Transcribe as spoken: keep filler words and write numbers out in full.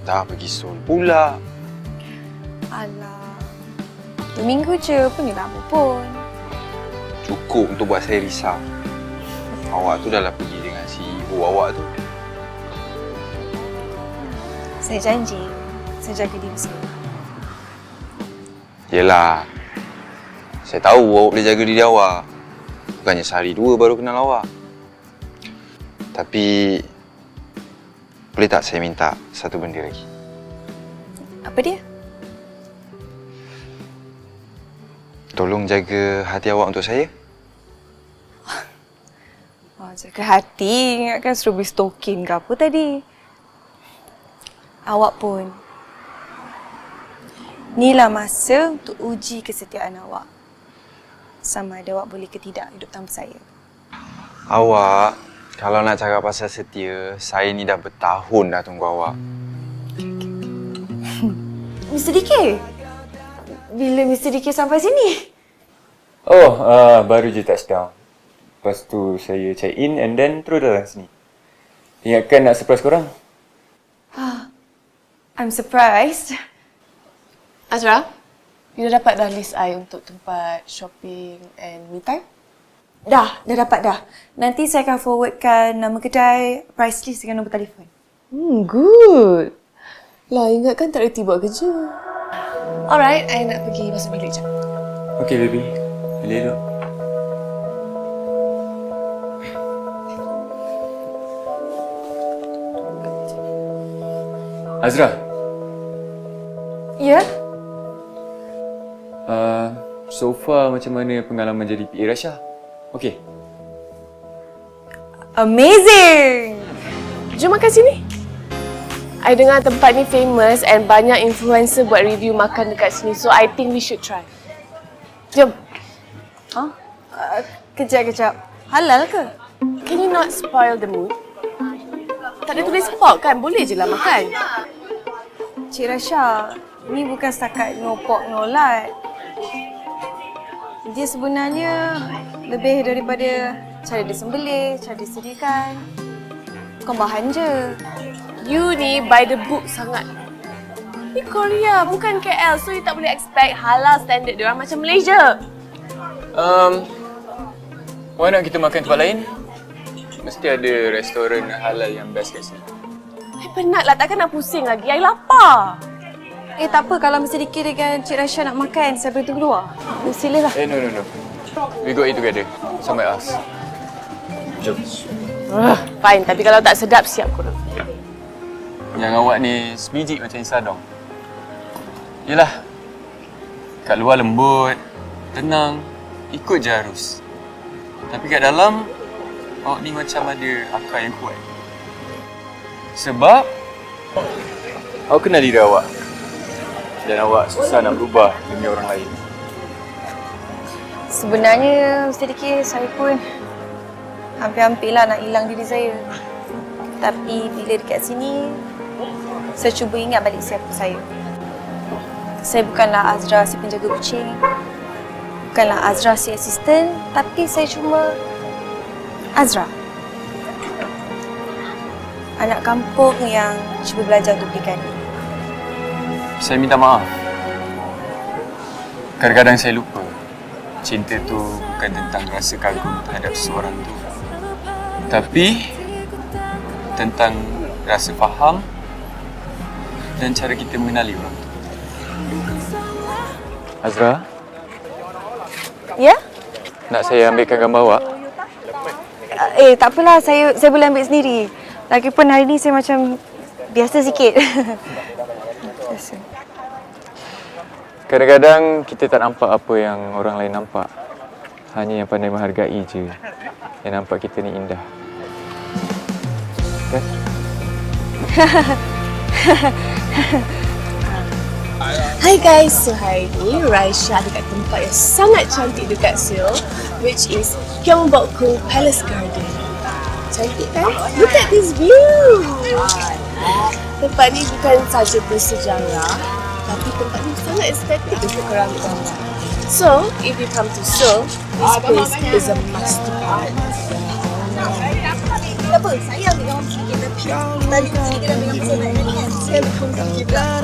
Dah pergi Seoul pula. Alah, dua minggu je pun ni lama pun. Cukup untuk buat saya risau. Awak tu dah lah pergi dengan C E O awak tu. Saya janji, saya jaga diri saya. Yelah, saya tahu awak boleh jaga diri awak. Bukannya sehari dua baru kenal awak. Tapi, boleh tak saya minta satu benda lagi? Apa dia? Tolong jaga hati awak untuk saya. Oh, jaga hati, ingatkan suruh beli stokin ke apa tadi. Awak pun. Inilah masa untuk uji kesetiaan awak. Sama ada awak boleh ke tidak hidup tanpa saya. Awak, kalau nak cakap pasal setia, saya ni dah bertahun dah tunggu awak. mister D K? Bila mister D K sampai sini? Oh, uh, baru je touchdown. Lepas tu saya check in and then terus datang sini. Ingatkan nak surprise korang? I'm surprised. Azra, you dah dapat dah list I untuk tempat shopping and me time? Dah, dah dapat dah. Nanti saya akan forwardkan nama kedai, price list dengan nombor telefon. Hmm, good. Lah, ingatkan tak reti buat kerja. Alright, I nak pergi masuk bilik jap. Okay, baby. Bilik dulu. Azra. Ya? Uh, so far macam mana pengalaman jadi P A Rasha? Okay. Amazing! Jom makan sini. I dengar tempat ni famous and banyak influencer buat review makan dekat sini. So, I think we should try. Jom. Huh? Uh, kejap, kejap. Halal ke? Can you not spoil the mood? Tak ada tulis pork kan? Boleh je lah makan. Cik Rasha, ni bukan setakat no pork, no lard. Dia sebenarnya lebih daripada cara dia sembelih, cara dia sediakan. Bukan bahan je. You ni by the book sangat. Ni Korea, bukan K L. So, you tak boleh expect halal standard diorang macam Malaysia. Um, why not kita makan tempat lain? Mesti ada restoran halal yang best kat sini. I penat lah, takkan nak pusing lagi. I lapar. Eh, tak apa kalau mister D K dengan Cik Rasha nak makan, saya boleh tunggu luar. Oh, silalah. Eh, no, no, no. We go eat together. Somewhere else. Jom. Uh, fine, tapi kalau tak sedap, siap korang. Yang awak ni sebiji macam Isadong. Yelah, kat luar lembut, tenang, ikut je arus. Tapi kat dalam, awak ni macam ada akal yang kuat. Sebab, awak kenal diri awak. Dan awak susah nak berubah demi orang lain. Sebenarnya, mister D K, saya pun hampir-hampirlah nak hilang diri saya. Tapi bila dekat sini, saya cuba ingat balik siapa saya. Saya bukanlah Azra si penjaga kucing. Bukanlah Azra si asisten, tapi saya cuma Azra. Anak kampung yang cuba belajar untuk berikan. Saya minta maaf. Kadang-kadang saya lupa. Cinta tu bukan tentang rasa kagum terhadap seseorang tu. Tapi tentang rasa faham dan cara kita mengenali orang tu. Azra, Ya? nak saya ambilkan gambar awak? Eh, tak apalah. Saya saya boleh ambil sendiri. Lagipun hari ni saya macam biasa sikit. Biasa. Kadang-kadang kita tak nampak apa yang orang lain nampak. Hanya yang pandai menghargai je yang nampak kita ni indah. Kan? Hi guys, so hari ni Raisha dekat tempat yang sangat cantik dekat Seoul, which is Gyeongbokgung Palace Garden. Cantik kan? Look at this view! Tempat ni bukan saja bersejarah, tapi tempat ni sangat estetik untuk korang ambil gambar. So, if you come to Seoul, this place is a must to visit. Tak apa, saya ambil gambar sikit tapi tadi tu kita dah ambil gambar saya kan. akan kongsi juga.